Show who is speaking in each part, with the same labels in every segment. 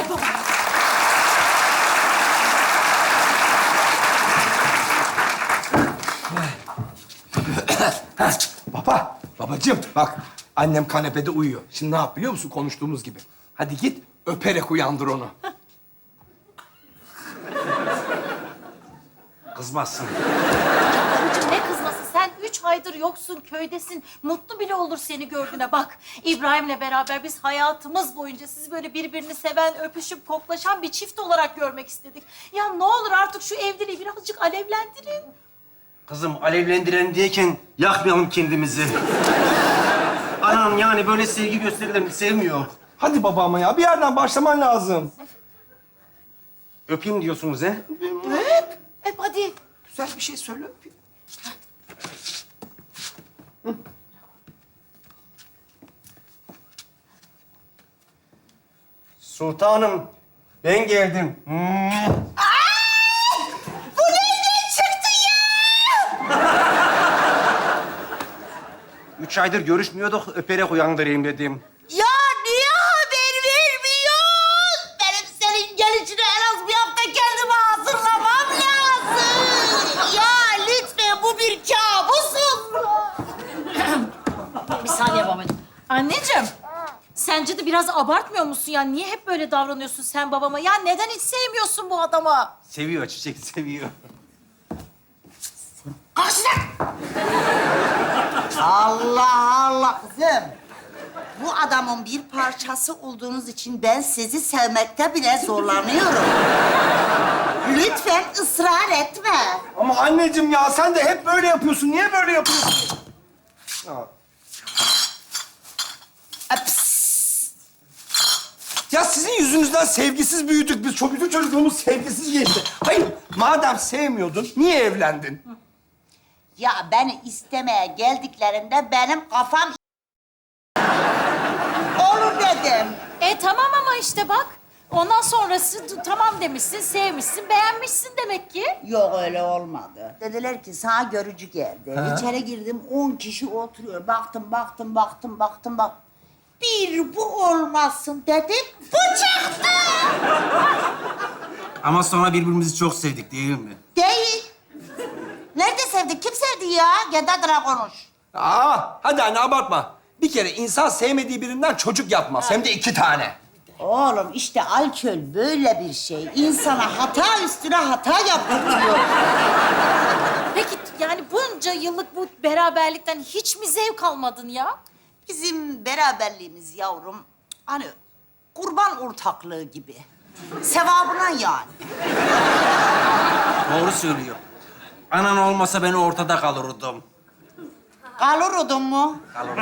Speaker 1: baba.
Speaker 2: Babacığım bak annem kanepede uyuyor. Şimdi ne yap biliyor musun konuştuğumuz gibi? Hadi git öperek uyandır onu.
Speaker 3: Kızmazsın.
Speaker 1: Babacığım ne kızması? Sen 3 aydır yoksun, köydesin. Mutlu bile olur seni gördüğüne. Bak, İbrahim'le beraber biz hayatımız boyunca sizi böyle birbirini seven, öpüşüp koklaşan bir çift olarak görmek istedik. Ya ne olur artık şu evliliği birazcık alevlendirin.
Speaker 3: Kızım alevlendiren diyeken yakmayalım kendimizi. Anam yani böyle sevgi gösterilerini sevmiyor.
Speaker 2: Hadi baba ama ya bir yerden başlaman lazım.
Speaker 3: Öpeyim diyorsunuz he?
Speaker 1: Öp hadi.
Speaker 2: Güzel bir şey söyle.
Speaker 3: Sultanım ben geldim.
Speaker 1: Bu nereden çıktı ya?
Speaker 3: 3 aydır görüşmüyorduk, öperek uyandırayım dedim.
Speaker 1: Ya niye haber vermiyorsun? Benim senin gelişine en az bir hafta kendimi hazırlamam lazım. Ya lütfen bu bir kabus olsun. Bir saniye babacığım. Anneciğim, sence de biraz abartmıyor musun ya? Niye hep böyle davranıyorsun sen babama? Ya neden hiç sevmiyorsun bu adamı?
Speaker 3: Seviyor çiçek, seviyor.
Speaker 4: Allah Allah kızım. Bu adamın bir parçası olduğunuz için ben sizi sevmekte bile zorlanıyorum. Lütfen ısrar etme.
Speaker 2: Ama anneciğim ya sen de hep böyle yapıyorsun. Niye böyle yapıyorsun? Ya sizin yüzünüzden sevgisiz büyüdük biz. Çok bütün çocukluğumuz sevgisiz geçti. Hayır, madem sevmiyordun, niye evlendin?
Speaker 4: Ya beni istemeye geldiklerinde benim kafam olur dedim.
Speaker 1: Tamam ama işte bak. Ondan sonrası tamam demişsin, sevmişsin, beğenmişsin demek ki.
Speaker 4: Yok öyle olmadı. Dediler ki sana görücü geldi. İçeri girdim 10 kişi oturuyor. Baktım. Bir bu olmasın dedim. Bu çıktı.
Speaker 3: Ama sonra birbirimizi çok sevdik değil mi?
Speaker 4: Değil. Nerede sevdik? Kim sevdi ya? Kendi adına konuş.
Speaker 2: Hadi anne abartma. Bir kere insan sevmediği birinden çocuk yapmaz. Hem de 2 tane.
Speaker 4: Oğlum işte alkol böyle bir şey. İnsana hata üstüne hata yaptırıyor.
Speaker 1: Peki yani bunca yıllık bu beraberlikten hiç mi zevk almadın ya?
Speaker 4: Bizim beraberliğimiz yavrum hani kurban ortaklığı gibi. Sevabına yani.
Speaker 3: Doğru söylüyor. Anan olmasa ben ortada kalırdım.
Speaker 4: Kalırudun mu?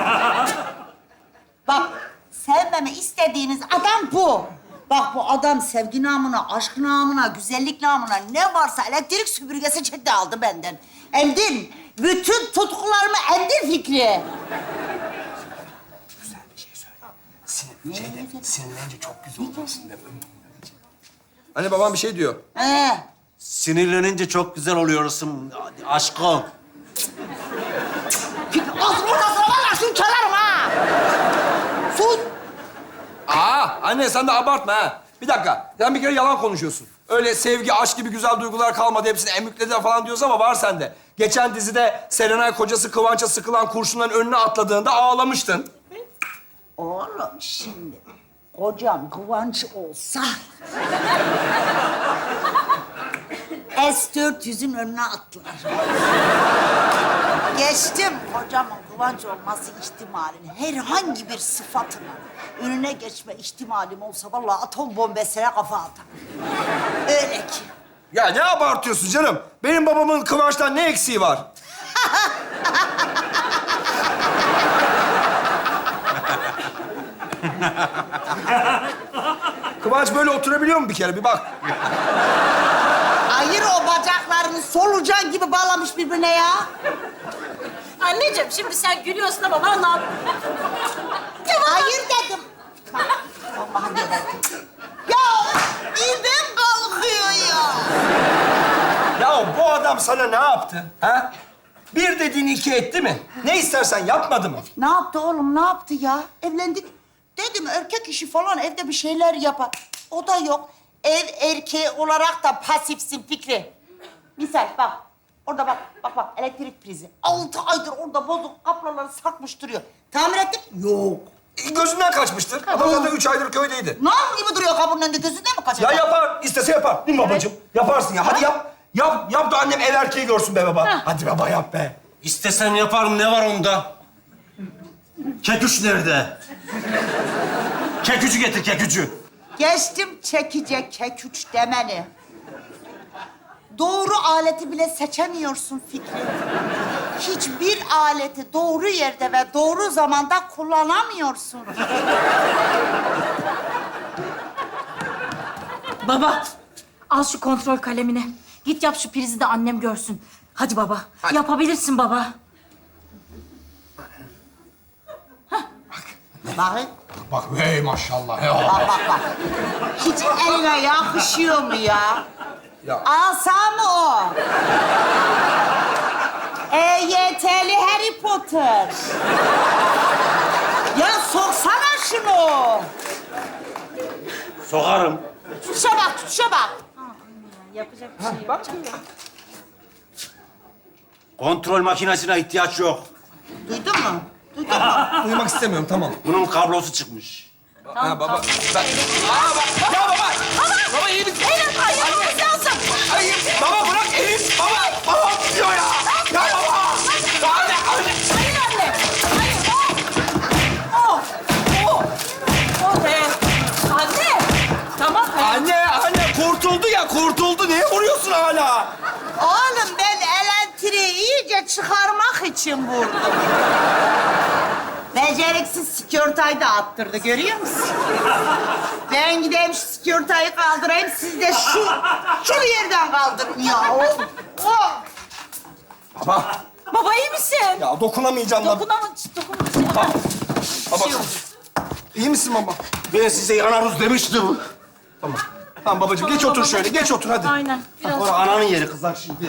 Speaker 4: Bak sevmemi istediğiniz adam bu. Bak bu adam sevgi namına, aşk namına, güzellik namına ne varsa elektrik süpürgesi çekti aldı benden. Emdin. Bütün tutkularımı emdin Fikri.
Speaker 2: Sinirlenince çok güzel oluyorsun değil mi? Anne babam bir şey diyor.
Speaker 3: Sinirlenince çok güzel oluyorsun aşkım.
Speaker 4: Ağzını ortasına valla şunu çalarım ha. Sus.
Speaker 2: Anne sen de abartma ha. Bir dakika, sen bir kere yalan konuşuyorsun. Öyle sevgi, aşk gibi güzel duygular kalmadı, hepsini emüklediler falan diyorsun ama var sende. Geçen dizide Serenay kocası Kıvanç'a sıkılan kurşunların önüne atladığında ağlamıştın.
Speaker 4: Oğlum şimdi kocam Kıvanç olsa... S-400'ün önüne atlar. Geçtim kocamın Kıvanç olması ihtimalini, herhangi bir sıfatının önüne geçme ihtimalim olsa vallahi atom bombesine kafa atarım. Öyle ki.
Speaker 2: Ya ne abartıyorsun canım? Benim babamın Kıvanç'tan ne eksiği var? Kıvanç böyle oturabiliyor mu bir kere? Bir bak.
Speaker 4: Hayır o bacaklarını solucan gibi bağlamış birbirine ya.
Speaker 1: Anneciğim şimdi sen gülüyorsun ama vallahi...
Speaker 4: Hayır dedim. Allah'ım yarabbim. Ya midem kalkıyor ya.
Speaker 2: Ya bu adam sana ne yaptı? Ha? Bir dediğini 2 etti mi? Ne istersen yapmadı mı?
Speaker 4: Ne yaptı oğlum, ne yaptı ya? Evlendik. Dedim erkek işi falan evde bir şeyler yapar. O da yok. Ev erkeği olarak da pasifsin Fikri. Misal bak. Orada bak elektrik prizi. 6 aydır orada bozuk kabloları sarkmış duruyor. Tamir ettik? Yok.
Speaker 2: Gözünden kaçmıştır. Adam zaten 3 aydır köydeydi.
Speaker 4: Nam gibi duruyor kapının önünde, gözünden mi kaçacak?
Speaker 2: Ya yapar, istese yapar. Değil mi babacığım? Yaparsın ya. Hadi yap. Yap da annem ev erkeği görsün be baba. Hadi baba yap be.
Speaker 3: İstesem yaparım, ne var onda? Keküç nerede? Kekücü getir, kekücü.
Speaker 4: Geçtim çekice keküç demeni. Doğru aleti bile seçemiyorsun Fikri. Hiçbir aleti doğru yerde ve doğru zamanda kullanamıyorsun.
Speaker 1: Baba, al şu kontrol kalemini. Git yap şu prizi de annem görsün. Hadi baba, yapabilirsin baba.
Speaker 4: Bakın.
Speaker 2: Bak hey maşallah.
Speaker 4: Bak. Hiç eline yakışıyor mu ya?
Speaker 2: Ya.
Speaker 4: Asa mı o? EYT'li Harry Potter. Ya soksana şunu.
Speaker 3: Sokarım.
Speaker 4: Tutuşa bak.
Speaker 1: Yapacak bir şey yok.
Speaker 3: Kontrol makinesine ihtiyaç yok.
Speaker 4: Duydun mu?
Speaker 2: Uyumak istemiyorum tamam.
Speaker 3: Bunun kablosu çıkmış.
Speaker 2: Ha baba. Ben... Ya baba. Baba iyi misin?
Speaker 1: Elim ayağımız lazım.
Speaker 2: Hayır. Baba bırak elim. Baba tutuyor ya. Ya baba. Anne.
Speaker 1: Hayır anne. Hayır. Oh be. Anne. Tamam.
Speaker 2: Anne kurtuldu. Niye vuruyorsun hala?
Speaker 4: Oğlum ben elektriği iyice çıkarmak için vurdum. Beceriksiz sikörtayı da attırdı, görüyor musun? Ben gideyim şu sikörtayı kaldırayım, siz de şu yerden kaldırın ya. Oh.
Speaker 1: Baba iyi misin?
Speaker 2: Ya dokunamayacağım da.
Speaker 1: Dokunamadım.
Speaker 2: Baba. İyi misin baba?
Speaker 3: Ben size yanarız demiştim.
Speaker 2: Tamam babacığım geç otur şöyle. Geç otur hadi.
Speaker 1: Aynen. Biraz.
Speaker 3: Sonra ananın yeri kızar şimdi.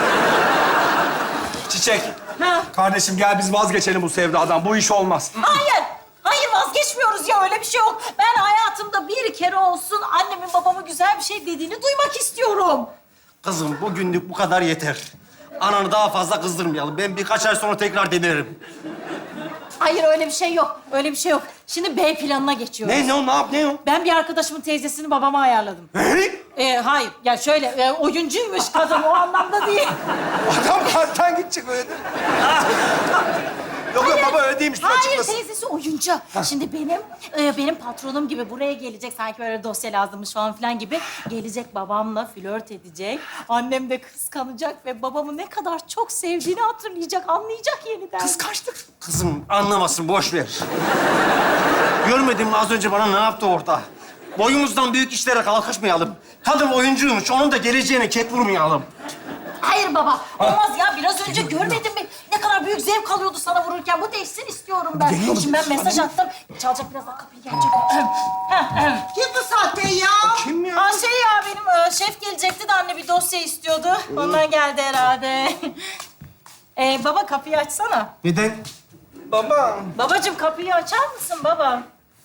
Speaker 2: Çiçek.
Speaker 1: Ha.
Speaker 2: Kardeşim gel biz vazgeçelim bu sevdadan. Bu iş olmaz.
Speaker 1: Hayır vazgeçmiyoruz ya, öyle bir şey yok. Ben hayatımda bir kere olsun annemin babama güzel bir şey dediğini duymak istiyorum.
Speaker 3: Kızım bugünlük bu kadar yeter. Ananı daha fazla kızdırmayalım. Ben birkaç ay sonra tekrar denerim.
Speaker 1: Hayır öyle bir şey yok. Öyle bir şey yok. Şimdi B planına geçiyoruz.
Speaker 3: Ne o?
Speaker 1: Ben bir arkadaşımın teyzesini babama ayarladım. Hayır. Ya şöyle oyuncuymuş kadın, o anlamda değil.
Speaker 2: Adam kalpten gidecek öyle değil mi? Yok baba öyle değilmiş. Dur
Speaker 1: Hayır,
Speaker 2: açıklasın.
Speaker 1: teyzesi oyuncu. Şimdi benim patronum gibi buraya gelecek, sanki böyle dosya lazımmış falan filan gibi. Gelecek, babamla flört edecek. Annem de kıskanacak ve babamı ne kadar çok sevdiğini hatırlayacak, anlayacak yeniden.
Speaker 2: Kıskançlık.
Speaker 3: Kızım anlamasın, boş ver. Görmedin mi az önce bana ne yaptı orada? Boyumuzdan büyük işlere kalkışmayalım. Kadın oyuncuymuş, onun da geleceğine ket vurmayalım.
Speaker 1: Hayır baba, olmaz ya. Biraz önce görmedin mi? Ne kadar büyük zevk alıyordu sana vururken. Bu değişsin istiyorum ben. Şimdi ben mesaj attım. Çalacak, birazdan kapıyı gelecek.
Speaker 4: Kim bu sahte ya?
Speaker 2: Kim ya?
Speaker 1: Benim şef gelecekti de anne bir dosya istiyordu. Ondan geldi herhalde. Baba kapıyı açsana.
Speaker 2: Neden? Baba.
Speaker 1: Babacığım kapıyı açar mısın baba?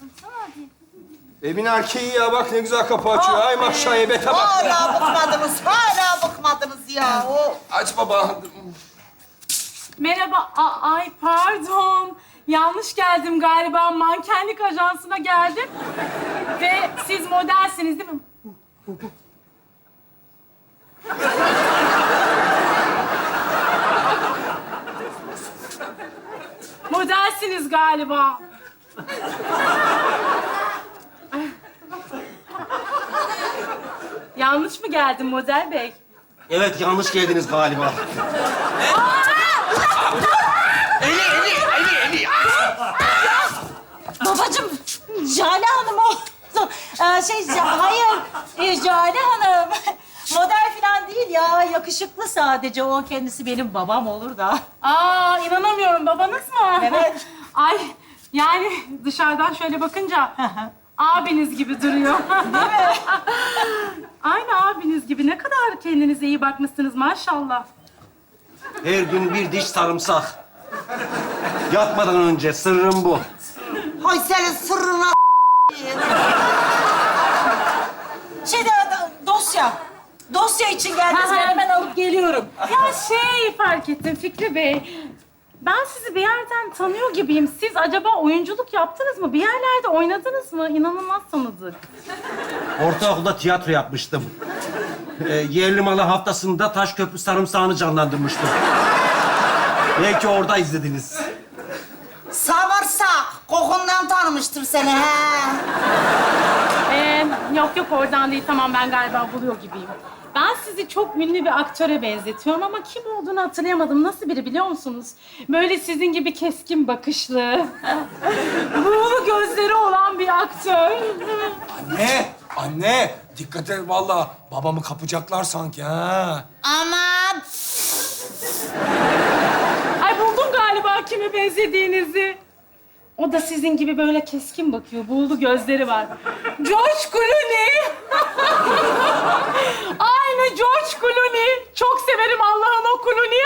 Speaker 2: Evin erkeği ya bak ne güzel kapı açıyor. Ay maşallah ebete bak.
Speaker 4: Hala bıkmadınız ya. Oh.
Speaker 2: Aç baba.
Speaker 5: Merhaba. Ay pardon. Yanlış geldim galiba. Mankenlik ajansına geldim. Ve siz modelsiniz değil mi? Modelsiniz galiba. Yanlış mı geldim model bey?
Speaker 3: Evet, yanlış geldiniz galiba.
Speaker 1: Babacığım, Jale Hanım o. Hayır, Jale Hanım. Model falan değil ya, yakışıklı sadece. O kendisi benim babam olur da.
Speaker 5: İnanamıyorum. Babanız mı?
Speaker 1: Evet.
Speaker 5: Ay, yani dışarıdan şöyle bakınca abiniz gibi duruyor. Değil mi? Aynı abiniz gibi. Ne kadar kendinize iyi bakmışsınız maşallah.
Speaker 3: Her gün bir diş sarımsak. Yatmadan önce sırrım bu.
Speaker 4: Hay senin sırrına Dosya için geldiniz. Ben hemen alıp geliyorum.
Speaker 5: Ya fark ettim Fikri Bey. Ben sizi bir yerden tanıyor gibiyim. Siz acaba oyunculuk yaptınız mı? Bir yerlerde oynadınız mı? İnanılmaz tanıdık.
Speaker 3: Ortaokulda tiyatro yapmıştım. Yerli malı haftasında Taşköprü sarımsağını canlandırmıştım. Belki orada izlediniz.
Speaker 4: Samırsak. Kokundan tanımıştır seni he.
Speaker 5: Yok oradan değil. Tamam ben galiba buluyor gibiyim. Ben sizi çok ünlü bir aktöre benzetiyorum ama kim olduğunu hatırlayamadım. Nasıl biri biliyor musunuz? Böyle sizin gibi keskin bakışlı, buğulu gözleri olan bir aktör.
Speaker 2: Anne, dikkat et vallahi. Babamı kapacaklar sanki ha.
Speaker 1: Aman.
Speaker 5: Ay buldum galiba kime benzediğinizi. O da sizin gibi böyle keskin bakıyor, buğulu gözleri var. George Clooney. Aynı George Clooney. Çok severim Allah'ın o Clooney'i.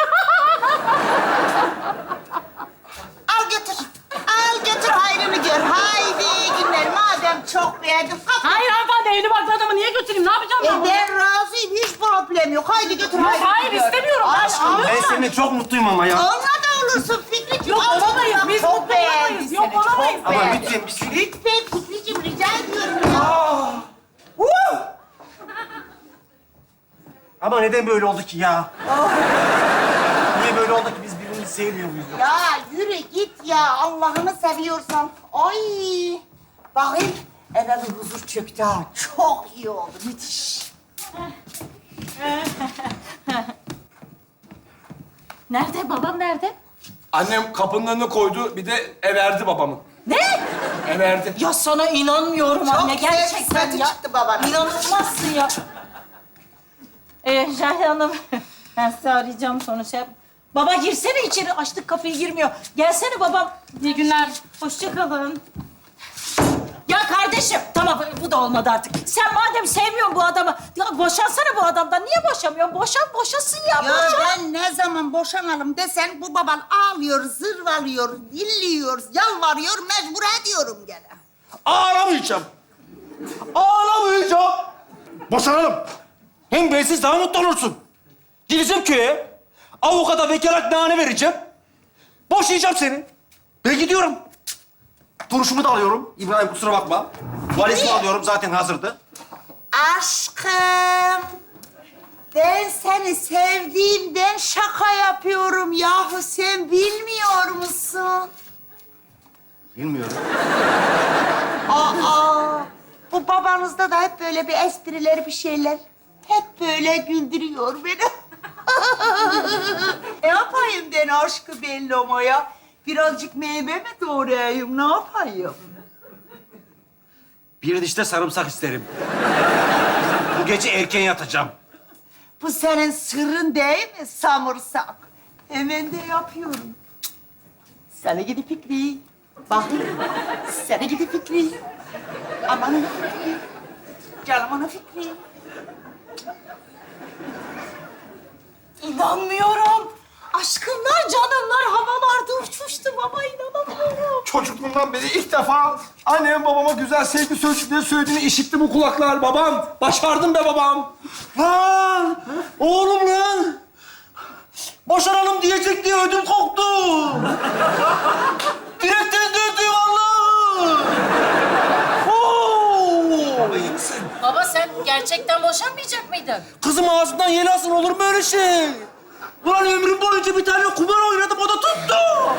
Speaker 1: Al götür. Al götür hayrını gör. Haydi günler. Madem çok beğendin.
Speaker 5: Hayır hanımefendi, evli barklı adamı niye götüreyim? Ne yapacağım ben bunu?
Speaker 1: Ben razıyım. Hiç problem yok. Haydi götür
Speaker 5: Yok,
Speaker 1: hayrını
Speaker 5: hayır,
Speaker 1: gör.
Speaker 5: istemiyorum.
Speaker 1: Al,
Speaker 5: Aşkım,
Speaker 1: al.
Speaker 3: Ben seninle çok mutluyum ama ya.
Speaker 1: Onunla da olursun Fikriciğim.
Speaker 5: Yok,
Speaker 1: Al
Speaker 5: olamayız.
Speaker 1: canım,
Speaker 5: Biz
Speaker 1: çok
Speaker 5: mutlu
Speaker 1: beğendim
Speaker 5: olamayız. Yok,
Speaker 1: seni, çok
Speaker 5: olamayız.
Speaker 3: Ama
Speaker 1: beğendim.
Speaker 3: lütfen bir şey...
Speaker 1: Lütfen Fikriciğim rica ediyorum ya.
Speaker 3: Ama neden böyle oldu ki ya? Niye böyle oldu ki biz birbirimizi sevmiyor muyuz?
Speaker 1: Ya yürü git ya. Allah'ını seviyorsan. Ay. Bakayım. Eve bir huzur çöktü ha. Çok iyi oldu. Müthiş.
Speaker 4: Nerede? Babam nerede?
Speaker 2: Annem kapının önüne koydu, bir de everdi babamın.
Speaker 4: Ne?
Speaker 2: Everdi.
Speaker 4: Ya sana inanmıyorum
Speaker 1: Çok
Speaker 4: anne. Gerçekten
Speaker 1: sempati
Speaker 4: ya.
Speaker 1: çıktı babana.
Speaker 4: İnanılmazsın ya. Jahide Hanım, ben sizi arayacağım sonra şey yap. Baba girsene içeri. Açtık kapıyı, girmiyor. Gelsene babam.
Speaker 5: İyi günler.
Speaker 4: Hoşça kalın. Ya kardeşim, tamam bu da olmadı artık. Sen madem sevmiyorsun bu adamı, ya boşansana bu adamdan. Niye boşamıyorsun? Boşasın ya,
Speaker 1: Ya
Speaker 4: boşan.
Speaker 1: ben ne zaman boşanalım desen bu baban ağlıyor, zırvalıyor, dilliyor, yalvarıyor, mecbur ediyorum gene.
Speaker 3: Ağlamayacağım. Ağlamayacağım. Boşanalım. Hem bensiz daha mutlu olursun. Gideceğim köye. Avukata vekaletname vereceğim. Boşayacağım seni. Ben gidiyorum. Duruşumu da alıyorum. İbrahim kusura bakma. Valizimi alıyorum zaten hazırdı.
Speaker 1: Aşkım, ben seni sevdiğimden şaka yapıyorum yahu. Sen bilmiyor musun?
Speaker 3: Bilmiyorum.
Speaker 1: Aa, bu babanızda da hep böyle bir espriler, bir şeyler. Hep böyle güldürüyor beni. Ne yapayım ben aşkı Bellomo'ya? Birazcık meyve mi doğrayayım, ne yapayım?
Speaker 3: Bir dişte sarımsak isterim. Bu gece erken yatacağım.
Speaker 1: Bu senin sırrın değil mi samırsak? Hemen de yapıyorum. Sana gidi Fikri. Bakayım. Sana gidi Fikri. Aman Fikri. Canım ana Fikri.
Speaker 4: İnanmıyorum. Aşkımlar, canımlar havalarda uçuştu baba, inanamıyorum.
Speaker 2: Çocukluğumdan beri ilk defa annem babama güzel sevgi sözcükleri söylediğini işitti bu kulaklar. Babam, başardın be babam.
Speaker 3: Lan! Oğlum lan! Boşanalım diyecek diye ödüm koptu. Direkten döndü vallahi. Oo!
Speaker 2: İyi misin?
Speaker 4: Baba sen gerçekten boşanmayacak mıydın?
Speaker 3: Kızım ağzından yel alsın, olur mu öyle şey? Ulan ömrüm boyunca bir tane kumar oynadım, o da tuttu.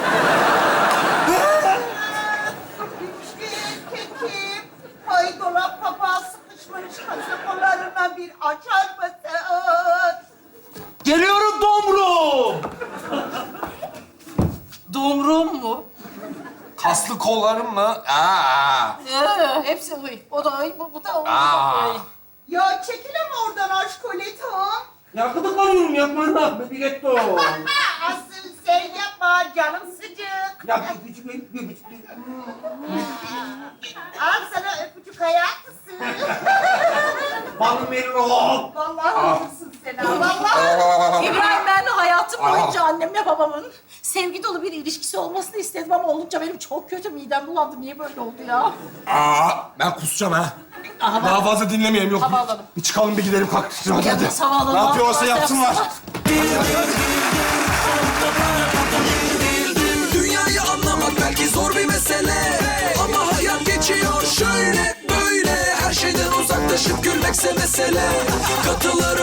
Speaker 1: Kekim, ay dolap kapağı sıkışmış kasakolarına bir açar mısın?
Speaker 3: Geliyorum Domru.
Speaker 4: Domrum mu?
Speaker 2: Kaslı kollarım mı?
Speaker 4: Hepsi uy. O da uy, bu da uy.
Speaker 1: Ya çekilem oradan aşkoletom.
Speaker 3: Ya gıdıklanıyorum, yapma lan. Biletto.
Speaker 1: Asıl sen yapma, canım sıcak.
Speaker 3: Ya öpücük.
Speaker 1: Al sana öpücük hayatısın.
Speaker 3: Balım Melro.
Speaker 1: Vallahi olursun sen ha, vallahi.
Speaker 4: İbrahim, ben hayatım boyunca annemle babamın sevgi dolu bir ilişkisi olmasını istedim ama olunca benim çok kötü midem bulandı. Niye böyle oldu ya?
Speaker 2: Ben kusacağım ha. Daha fazla dinlemeyelim yok.
Speaker 5: Hava alalım.
Speaker 2: Bir çıkalım bir gidelim kalk. Hadi.
Speaker 5: Yapmış, hava alalım.
Speaker 2: Ne yapıyorsa yapsınlar.
Speaker 6: Dünyayı anlamak belki zor bir mesele, ama hayat geçiyor şöyle böyle. Her şeyden uzaklaşıp gülmekse mesele. Katılır